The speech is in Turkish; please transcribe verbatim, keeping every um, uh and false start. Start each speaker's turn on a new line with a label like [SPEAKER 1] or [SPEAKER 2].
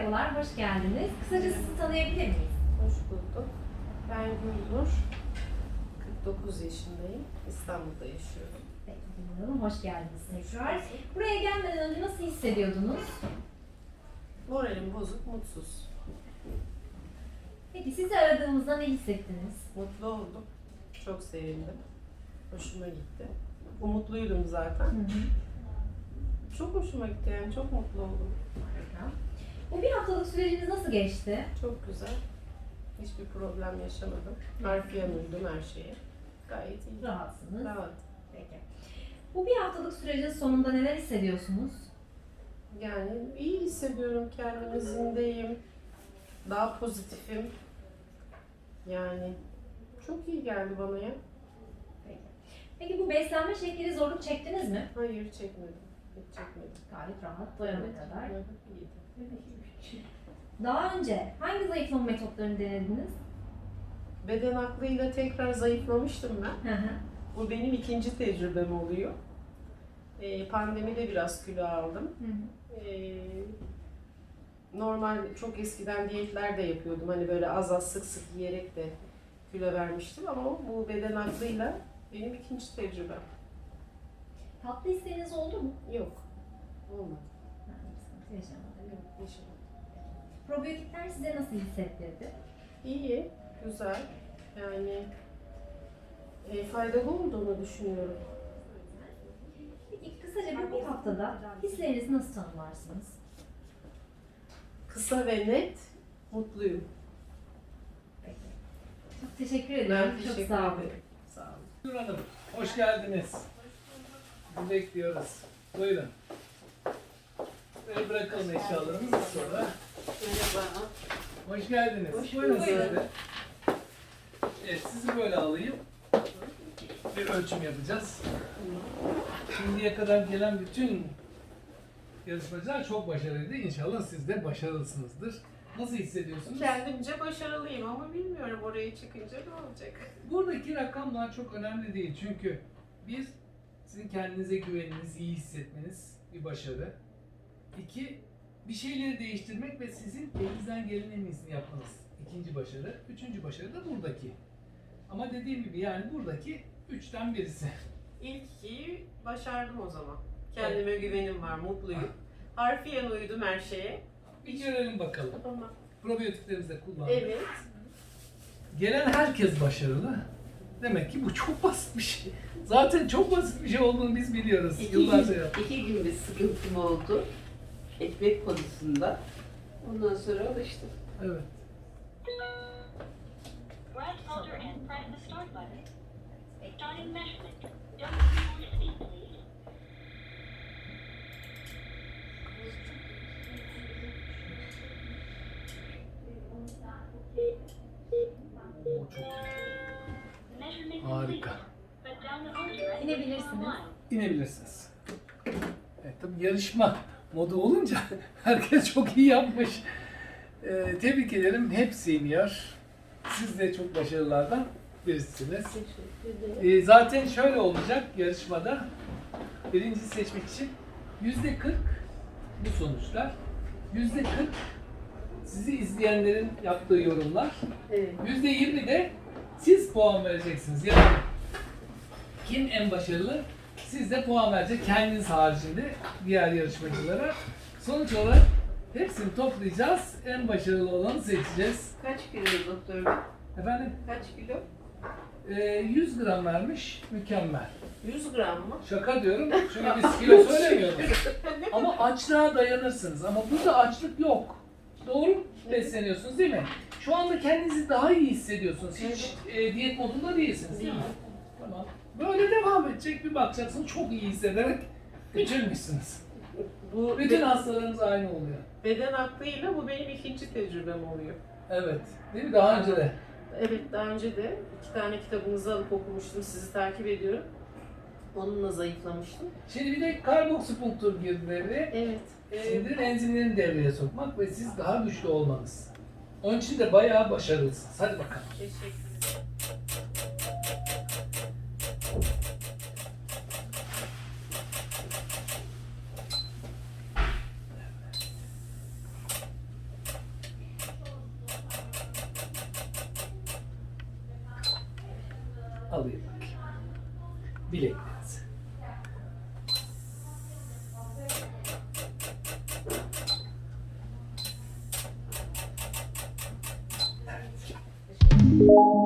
[SPEAKER 1] Merhabalar, hoş geldiniz. Kısaca sizi tanıyabilir miyiz?
[SPEAKER 2] Hoş bulduk. Ben Gülnur. kırk dokuz yaşındayım. İstanbul'da yaşıyorum.
[SPEAKER 1] Peki, Hanım, hoş geldiniz tekrar. Buraya gelmeden önce nasıl hissediyordunuz?
[SPEAKER 2] Moralim bozuk, mutsuz.
[SPEAKER 1] Peki, sizi aradığımızda ne hissettiniz?
[SPEAKER 2] Mutlu oldum. Çok sevindim. Hoşuma gitti. Umutluydum zaten.
[SPEAKER 1] Hı hı.
[SPEAKER 2] Çok hoşuma gitti yani. Çok mutlu oldum.
[SPEAKER 1] Harika. Bu bir haftalık süreciniz nasıl geçti?
[SPEAKER 2] Çok güzel. Hiçbir problem yaşamadım. Harfiyen uydum her şeye. Gayet iyi.
[SPEAKER 1] Rahatsınız.
[SPEAKER 2] Rahat.
[SPEAKER 1] Peki. Bu bir haftalık sürecin sonunda neler hissediyorsunuz?
[SPEAKER 2] Yani iyi hissediyorum. Kendimi zindeyim. Daha pozitifim. Yani çok iyi geldi bana ya.
[SPEAKER 1] Peki. Peki bu beslenme şekli zorluk çektiniz mi?
[SPEAKER 2] Hayır çekmedim. Hiç çekmedim.
[SPEAKER 1] Gayet rahat, doyana kadar.
[SPEAKER 2] Evet, iyiydi.
[SPEAKER 1] Daha önce hangi zayıflama metotlarını denediniz?
[SPEAKER 2] Beden aklıyla tekrar zayıflamıştım ben.
[SPEAKER 1] Hı hı.
[SPEAKER 2] Bu benim ikinci tecrübem oluyor. Ee, pandemide biraz kilo aldım.
[SPEAKER 1] Hı hı.
[SPEAKER 2] Ee, normal çok eskiden diyetler de yapıyordum. Hani böyle az az sık sık yiyerek de kilo vermiştim ama bu beden aklıyla benim ikinci tecrübem.
[SPEAKER 1] Tatlı isteğiniz oldu mu?
[SPEAKER 2] Yok. Olmadı.
[SPEAKER 1] Yani bir sıkıntı yaşamadım.
[SPEAKER 2] Yok, yaşamadım.
[SPEAKER 1] Probiyotikler size nasıl hissettirdi?
[SPEAKER 2] İyi, güzel. Yani e, faydalı olduğunu düşünüyorum.
[SPEAKER 1] Peki kısaca bu bir haftada hislerinizi nasıl tanımlarsınız?
[SPEAKER 2] Kısa ve net, mutluyum.
[SPEAKER 1] Peki. Çok teşekkür
[SPEAKER 2] Ben
[SPEAKER 1] ederim.
[SPEAKER 2] teşekkür
[SPEAKER 1] Çok sağ olun.
[SPEAKER 2] ederim. Sağ olun.
[SPEAKER 3] Nur Hanım, hoş geldiniz. Sizi bekliyoruz. Buyurun. Böyle bırakalım eşyalarımızı sonra.
[SPEAKER 2] Merhaba.
[SPEAKER 3] Hoş geldiniz.
[SPEAKER 2] Hoş
[SPEAKER 3] Buyurun
[SPEAKER 2] bulduk.
[SPEAKER 3] siz de. Evet, sizi böyle alayım. Bir ölçüm yapacağız. Şimdiye kadar gelen bütün yarışmacılar çok başarılıydı. İnşallah siz de başarılısınızdır. Nasıl hissediyorsunuz?
[SPEAKER 2] Kendimce başarılıyım ama bilmiyorum oraya çıkınca ne olacak.
[SPEAKER 3] Buradaki rakamlar çok önemli değil çünkü bir, sizin kendinize güveniniz, iyi hissetmeniz bir başarı. İki, bir şeyleri değiştirmek ve sizin elinizden gelen en iyisini yapmanız ikinci başarı. Üçüncü başarı da buradaki. Ama dediğim gibi yani buradaki üçten birisi.
[SPEAKER 2] İlk ikiyi başardım o zaman. Kendime güvenim var, mutluyum. Harfiyen uydum her şeye.
[SPEAKER 3] Bir görelim bakalım.
[SPEAKER 2] Tamam.
[SPEAKER 3] Probiyotiklerimizi de kullandık.
[SPEAKER 2] Evet.
[SPEAKER 3] Gelen herkes başarılı. Demek ki bu çok basit bir şey. Zaten çok basit bir şey olduğunu biz biliyoruz.
[SPEAKER 4] İki
[SPEAKER 3] Yıllarca
[SPEAKER 4] gün,
[SPEAKER 3] yaptık.
[SPEAKER 4] iki gün bir sıkıntım oldu. Ekmek konusunda. Ondan sonra alıştım.
[SPEAKER 3] Evet.
[SPEAKER 5] Right folder and press the start button. Starting measurement. Don't move speed, please.
[SPEAKER 3] O çok
[SPEAKER 5] Measurement
[SPEAKER 3] harika.
[SPEAKER 5] completed. But down the folder and
[SPEAKER 1] İnebilirsiniz.
[SPEAKER 5] online.
[SPEAKER 3] İnebilirsiniz. Evet, tabii yarışma modu olunca herkes çok iyi yapmış. Ee, tebrik ederim. Hepsi iniyor. Siz de çok başarılardan birisiniz.
[SPEAKER 2] Teşekkür ederim.
[SPEAKER 3] Ee, zaten şöyle olacak yarışmada. Birinci seçmek için yüzde kırk bu sonuçlar. Yüzde kırk sizi izleyenlerin yaptığı yorumlar.
[SPEAKER 2] Evet.
[SPEAKER 3] Yüzde yirmi de siz puan vereceksiniz. Yani kim en başarılı? Siz de puan verecek kendiniz haricinde diğer yarışmacılara. Sonuç olarak hepsini toplayacağız. En başarılı olanı seçeceğiz.
[SPEAKER 4] Kaç kilo doktor bey?
[SPEAKER 3] Efendim
[SPEAKER 4] Kaç kilo?
[SPEAKER 3] e, yüz gram vermiş. Mükemmel.
[SPEAKER 2] yüz gram mı?
[SPEAKER 3] Şaka diyorum çünkü biz kilo söylemiyoruz. Ama açlığa dayanırsınız. Ama burada açlık yok. Doğru besleniyorsunuz değil mi? Şu anda kendinizi daha iyi hissediyorsunuz. Hiç e, diyet modunda değilsiniz değil mi? Tamam. Böyle devam edecek bir bakacaksınız çok iyi hissederek bitirmişsiniz.
[SPEAKER 2] Bu
[SPEAKER 3] Bütün
[SPEAKER 2] be-
[SPEAKER 3] hastalarınız aynı oluyor.
[SPEAKER 2] beden aklıyla bu benim ikinci tecrübem oluyor.
[SPEAKER 3] Evet. Değil mi? Daha önce de.
[SPEAKER 2] Evet, daha önce de iki tane kitabınızı alıp okumuştum, sizi takip ediyorum. Onunla zayıflamıştım.
[SPEAKER 3] Şimdi bir de karboksipunktur girdi devreye.
[SPEAKER 2] Evet.
[SPEAKER 3] Sindirim enzimlerini devreye sokmak ve siz daha güçlü olmanız. Onun için de bayağı başarılısınız. Hadi bakalım.
[SPEAKER 2] Teşekkür ederim.
[SPEAKER 3] alayım bakayım. Bileklerinizi. Evet.